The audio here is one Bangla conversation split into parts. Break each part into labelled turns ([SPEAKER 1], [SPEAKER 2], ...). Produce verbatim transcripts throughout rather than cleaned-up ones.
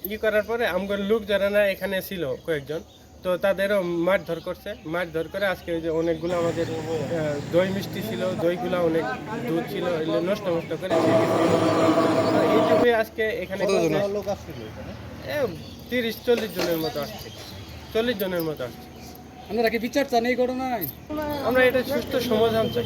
[SPEAKER 1] ই করার পরে আমগর লোক যারা না এখানে ছিল কয়েকজন, তো তাদেরও মারধর করছে। মারধর করে আজকে ওই যে অনেকগুলো আমাদের আহ, দই মিষ্টি ছিল, দইগুলো অনেক দুধ ছিল, এগুলো নষ্ট নষ্ট করে খেয়ে গেছে। তো এইটুকুই আজকে এখানে
[SPEAKER 2] লোক আসছিল এখানে?
[SPEAKER 1] এ, তিরিশ চল্লিশ জনের মতো আসছে, চল্লিশ জনের মতো আসছে।
[SPEAKER 3] আপনারা কি বিচার চান এই ঘটনায়?
[SPEAKER 1] আমরা এটা সুস্থ সমাধান চাই।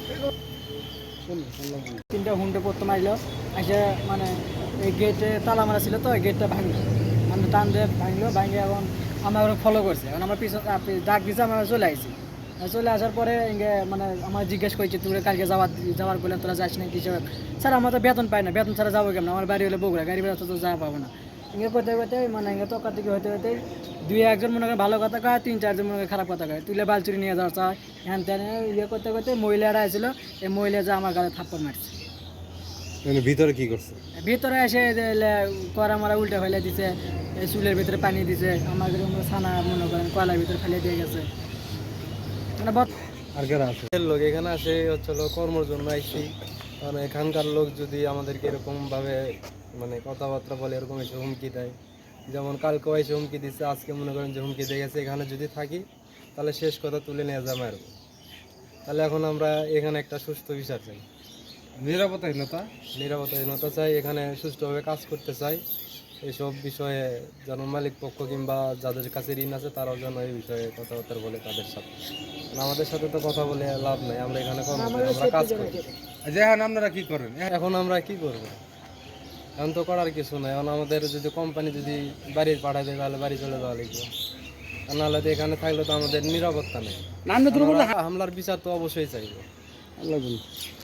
[SPEAKER 4] তিনটা হুন্ডে পড়তে মারলো, এসে মানে এই গেটে তালা মারা ছিল, তো এই গেটটা ভাঙলো, মানে টান দিয়ে ভাঙলো, ভাঙে এখন আমরা ওরা ফলো করছে। এখন আমরা পিছন ডাক দিয়েছে, আমরা চলে আসছি। চলে আসার পরে ইঙ্গে মানে আমার জিজ্ঞেস করছে, তুই কালকে যাওয়ার যাওয়ার বললেন তোরা যাস না কিছু। স্যার আমরা তো বেতন পাই না, বেতন ছাড়া যাবো কেমন, আমার বাড়ি হলে বগুড়া, গাড়ি বেড়া তো যাওয়া পাবো না। ইঙ্গে করতে করতে মানে ইঙ্গে তকা থেকে হতে হতে দুই একজন মনে করেন ভালো কথা কয়, তিন চারজন মনে করেন খারাপ কথা কয়, তুলে বালচুরি নিয়ে যাওয়া চায় হ্যান ত্যান ইয়ে করতে করতে মহিলারা আসছিল। এই মহিলা যে আমার গালে থাপ্পড় মারছে।
[SPEAKER 2] ভিতরে কি করছে?
[SPEAKER 4] ভিতরে এসে করা মারা উল্টা ফেলে দিছে, এই চুলের ভিতরে পানি দিছে, আমাদের ছানা মনে করেন কয়লার ভিতরে ফেলে দিয়ে গেছে। মানে
[SPEAKER 2] আর কারা আছে?
[SPEAKER 5] লোক এখানে আসে হচ্ছিল কর্মর জন্য আইসি, কারণ এখানকার লোক যদি আমাদেরকে এরকমভাবে মানে কথাবার্তা বলে, এরকম এসে হুমকি দেয়, যেমন কালকেও এসে হুমকি দিচ্ছে, আজকে মনে করেন যে হুমকি দিয়ে গেছে, এখানে যদি থাকি তাহলে শেষ কথা তুলে নিয়ে যাবে আর। তাহলে এখন আমরা এখানে একটা সুস্থ বিচার চাই,
[SPEAKER 2] নিরাপত্তাহীনতা
[SPEAKER 5] নিরাপত্তাহীনতা চাই, এখানে সুষ্ঠুভাবে কাজ করতে চাই। এইসব বিষয়ে যেন মালিক পক্ষ কিংবা যাদের কাছে ঋণ আছে তারাও যেন এই বিষয়ে কথাবার্তা বলে তাদের সাথে। কারণ আমাদের সাথে তো কথা বলে লাভ নাই, আমরা এখানে কর্ম করি, আমরা কাজ করি।
[SPEAKER 2] যে এখন আপনারা কি করেন?
[SPEAKER 5] এখন আমরা কি করব? এখন তো করার কিছু নাই। এখন আমাদের যদি কোম্পানি যদি বাড়ি পাঠায় দেয় তাহলে বাড়ি চলে যাওয়া লাগবে, আর নাহলে তো এখানে থাকলে তো আমাদের নিরাপত্তা নেই। হামলার বিচার তো অবশ্যই চাইবো।
[SPEAKER 3] আল্লাহ